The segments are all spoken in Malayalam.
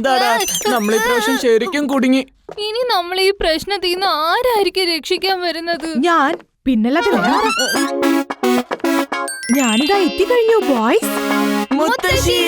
എന്താടാ നമ്മൾ ഇപ്രാവശ്യം ശരിക്കും കുടുങ്ങി. ഇനി നമ്മൾ ഈ പ്രശ്നത്തിൽ നിന്ന് ആരായിരിക്കും രക്ഷിക്കാൻ വരുന്നത്? ഞാൻ പിന്നല്ലാതെ ഞാനിതാ എത്തിക്കഴിഞ്ഞു ബോയ്സ്. മുത്തശ്ശി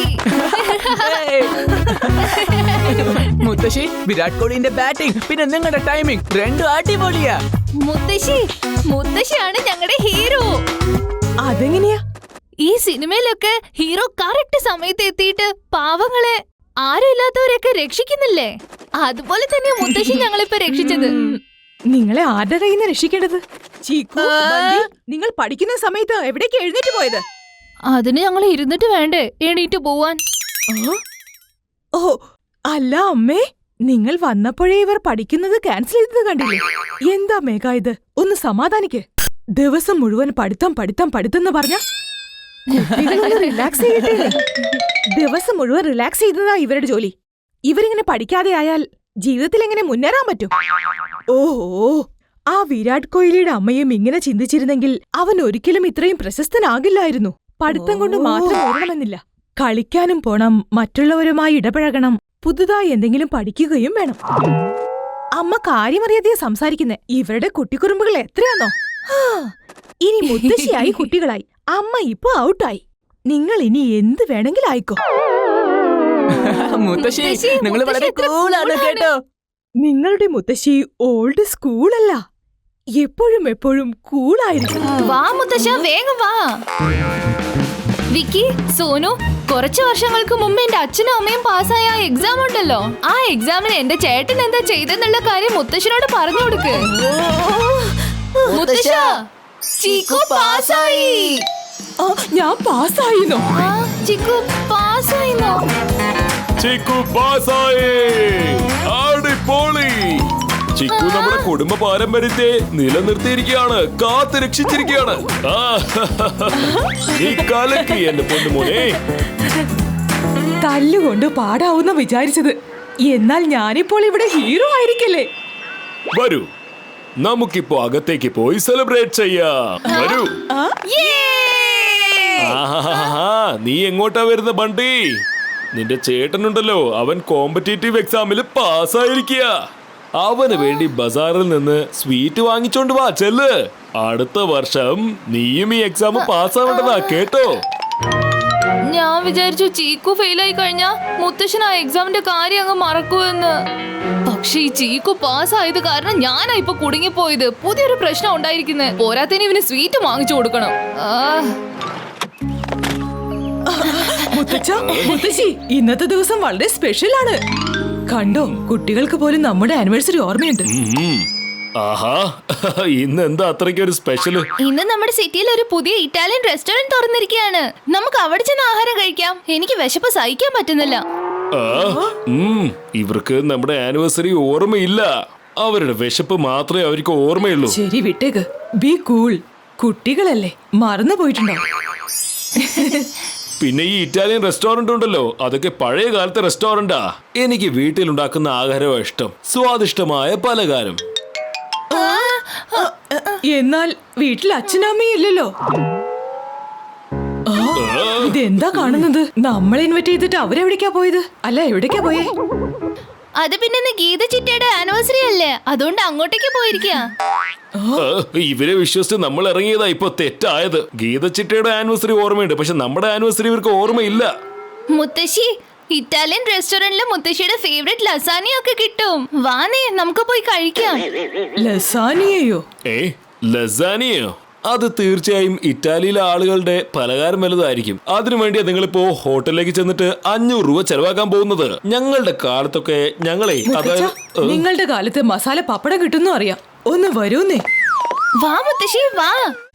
മുത്തശ്ശി, വിരാട് കോഹ്ലിന്റെ ബാറ്റിംഗ് പിന്നെ നിങ്ങളുടെ ടൈമിംഗ് രണ്ടും അടിപൊളിയാ. മുത്തശ്ശിയാണ് ഞങ്ങളുടെ ഹീറോ. അതെങ്ങനെയാ? ഈ സിനിമയിലൊക്കെ ഹീറോ കറക്റ്റ് സമയത്ത് എത്തിയിട്ട് പാവങ്ങളെ ആരും ഇല്ലാത്തവരെയൊക്കെ രക്ഷിക്കുന്നില്ലേ? അതുപോലെ തന്നെ മുത്തശ്ശി ഞങ്ങളിപ്പോ രക്ഷിച്ചത്. നിങ്ങളെ ആരുടെ കയ്യിൽ നിന്ന് രക്ഷിക്കേണ്ടത്? ചീക്കു, ബണ്ടി, നിങ്ങൾ പഠിക്കുന്ന സമയത്ത് എവിടേക്ക് എഴുന്നേറ്റ് പോയത്? അതിന് ഞങ്ങൾ ഇരുന്നിട്ട് വേണ്ടേ എണീറ്റ് പോവാൻ? ഓ അല്ല അമ്മേ, നിങ്ങൾ വന്നപ്പോഴേ ഇവർ പഠിക്കുന്നത് ക്യാൻസൽ ചെയ്തത് കണ്ടില്ലേ? എന്താ മേഘ ഇത്? ഒന്ന് സമാധാനിക്ക്. ദിവസം മുഴുവൻ പഠിത്തം പഠിത്തം പഠിത്തം പറഞ്ഞ റിലാക്സ് ചെയ്യട്ടെ. ദിവസം മുഴുവൻ റിലാക്സ് ചെയ്തതാ ഇവരുടെ ജോലി. ഇവരിങ്ങനെ പഠിക്കാതെ ആയാൽ ജീവിതത്തിൽ എങ്ങനെ മുന്നേറാൻ പറ്റും? ഓഹോ, ആ വിരാട് കോഹ്ലിയുടെ അമ്മയും ഇങ്ങനെ ചിന്തിച്ചിരുന്നെങ്കിൽ അവൻ ഒരിക്കലും ഇത്രയും പ്രശസ്തനാകില്ലായിരുന്നു. പഠിത്തം കൊണ്ട് മാത്രം ഓടണമെന്നില്ല, കളിക്കാനും പോണം, മറ്റുള്ളവരുമായി ഇടപഴകണം, പുതുതായി എന്തെങ്കിലും പഠിക്കുകയും വേണം. അമ്മ കാര്യമറിയാതെ സംസാരിക്കുന്നേ. ഇവരുടെ കുട്ടിക്കുറുമ്പുകൾ എത്രയാണോ? ഇനി മുത്തശ്ശിയായി കുട്ടികളായി, അമ്മ ഇപ്പൊ ഔട്ടായി. നിങ്ങൾ ഇനി എന്ത് വേണമെങ്കിലും ആയിക്കോ. മുത്തശ്ശി, നിങ്ങൾ വളരെ കൂളാണ് കേട്ടോ. നിങ്ങളുടെ മുത്തശ്ശി ഓൾഡ് സ്കൂളല്ല, എപ്പോഴും എപ്പോഴും കൂളായിരിക്കും. വാ മുത്തശ്ശ, വേഗം വാ. വിക്കി, സോനു, കുറച്ചു വർഷങ്ങൾക്ക് മുമ്പ് എന്റെ അച്ഛനും അമ്മയും പാസ്സായ ആ എക്സാം ഉണ്ടല്ലോ, ആ എക്സാമിന് എന്റെ ചേട്ടൻ എന്താ ചെയ്തെന്നുള്ള കാര്യം മുത്തശ്ശനോട് പറഞ്ഞു കൊടുക്ക്. മുത്തശ്ശ, ചീക്കു പാസ്സായി. ഞാൻ പാസ്സായിന്നോ? ചിക്കു പാസ്സായിന്നോ? ചിക്കു പാസ്സായി. അടിപൊളി. ചിക്കു നമ്മുടെ കുടുംബ പാരമ്പര്യത്തെ നിലനിർത്തിയിരിക്കുകയാണ്, കാത്ത് രക്ഷിച്ചിരിക്കുകയാണ്. ഈ കാലക്ക് എന്റെ പൊന്നുമോനെ. തല്ലുകൊണ്ട് പാടാവുന്ന വിചാരിച്ചത്, എന്നാൽ ഞാനിപ്പോൾ ഇവിടെ ഹീറോ ആയിരിക്കല്ലേ? വരൂ, നമുക്കിപ്പോ അകത്തേക്ക് പോയി സെലിബ്രേറ്റ് ചെയ്യാം. വരൂ. നീ എങ്ങോട്ടാ വരുന്ന ബണ്ടി? നിന്റെ ചേട്ടനുണ്ടല്ലോ, അവൻ കോമ്പറ്റേറ്റീവ് എക്സാമിൽ പാസ്സായിരിക്കുക. അവന് വേണ്ടി ബസാറിൽ നിന്ന് സ്വീറ്റ് വാങ്ങിച്ചോണ്ട് വാ, ചെല്ല്. അടുത്ത വർഷം നീയും ഈ എക്സാം പാസ്സാവേണ്ടതാ, കേട്ടോ? ഞാൻ വിചാരിച്ചു ചീക്കു ഫെയിലായി കഴിഞ്ഞാ മുത്തശ്ശൻ ആ എക്സാമിന്റെ കാര്യം അങ്ങ് മറക്കുമെന്ന്. പക്ഷെ ഈ ചീക്കു പാസ്സായത് കാരണം ഞാനാ ഇപ്പൊ കുടുങ്ങിപ്പോയത്. പുതിയൊരു പ്രശ്നം ഉണ്ടായിരിക്കുന്നത്. പോരാത്തതിന് ഇവന് സ്വീറ്റ് വാങ്ങിച്ചു കൊടുക്കണം. മുത്തശ്ശി, ഇന്നത്തെ ദിവസം വളരെ സ്പെഷ്യൽ ആണ്. കണ്ടോ, കുട്ടികൾക്ക് പോലും നമ്മുടെ ആനിവേഴ്സറി ഓർമ്മയുണ്ട്. ആഹാ, ഇന്ന് എന്താ അത്രയ്ക്ക് ഒരു സ്പെഷ്യല്? ഇന്ന് നമ്മുടെ സിറ്റിയിൽ ഒരു പുതിയ ഇറ്റാലിയൻ റെസ്റ്റോറന്റ് തുറന്നിരിക്കുകയാണ്. നമുക്ക് അവിടെ ചെന്ന് ആഹാരം കഴിക്കാം. എനിക്ക് വിശപ്പ് സഹിക്കാൻ പറ്റുന്നില്ല. ഇവർക്ക് നമ്മുടെ ആനിവേഴ്സറി ഓർമ്മയില്ല, അവരുടെ വിശപ്പ് മാത്രമേ അവർക്ക് ഓർമ്മയുള്ളൂ. ശരി, വിട്ടേക്ക്. Be cool. കുട്ടികളല്ലേ, മറന്നു പോയിട്ടുണ്ടോ? പിന്നെ ഈ ഇറ്റാലിയൻ റെസ്റ്റോറന്റ് ഉണ്ടല്ലോ, അതൊക്കെ പഴയ കാലത്തെ റെസ്റ്റോറന്റാ. എനിക്ക് വീട്ടിലുണ്ടാക്കുന്ന ആഹാരമാണ് ഇഷ്ടം, സ്വാദിഷ്ടമായ പലഹാരം. എന്നാൽ വീട്ടിൽ അച്ഛനമ്മയും ഇല്ലല്ലോ. ഇതെന്താ കാണുന്നത്? നമ്മൾ ഇൻവൈറ്റ് ചെയ്തിട്ട് അവരെവിടേക്കാ പോയത്? അല്ല, എവിടേക്കാ പോയേ? അത് പിന്നെ ഗീത ചിറ്റയുടെ ആനിവേഴ്സറി അല്ലേ, അതുകൊണ്ട് അങ്ങോട്ടേക്ക് പോയിരിക്കുക. ഇവരെ വിശ്വസിച്ച് നമ്മൾ ഇറങ്ങിയതാ ഇപ്പൊ തെറ്റായത്. ഗീത ചിറ്റയുടെ ആനിവേഴ്സറി ഓർമ്മയുണ്ട്, പക്ഷെ നമ്മുടെ ആനിവേഴ്സറി ഇവർക്ക് ഓർമ്മയില്ല. മുത്തശ്ശി, ഇറ്റാലിയൻ റെസ്റ്റോറന്റിലെ മുത്തശ്ശിയുടെ ഫേവറേറ്റ് ലസാനിയ ഒക്കെ കിട്ടും. വാനേ, നമുക്ക് പോയി കഴിക്കാം. ലസാനിയയോ? ലസാനിയോ? അത് തീർച്ചയായും ഇറ്റാലിയിലെ ആളുകളുടെ പലഹാരം വലുതായിരിക്കും. അതിനുവേണ്ടിയാ നിങ്ങളിപ്പോ ഹോട്ടലിലേക്ക് ചെന്നിട്ട് 500 രൂപ ചെലവാക്കാൻ പോകുന്നത്. ഞങ്ങളുടെ കാലത്തൊക്കെ നിങ്ങളുടെ കാലത്ത് മസാല പപ്പടം കിട്ടുന്നു അറിയാം. ഒന്ന് വരൂന്നേ. വാ മുത്തശ്ശി, വാ.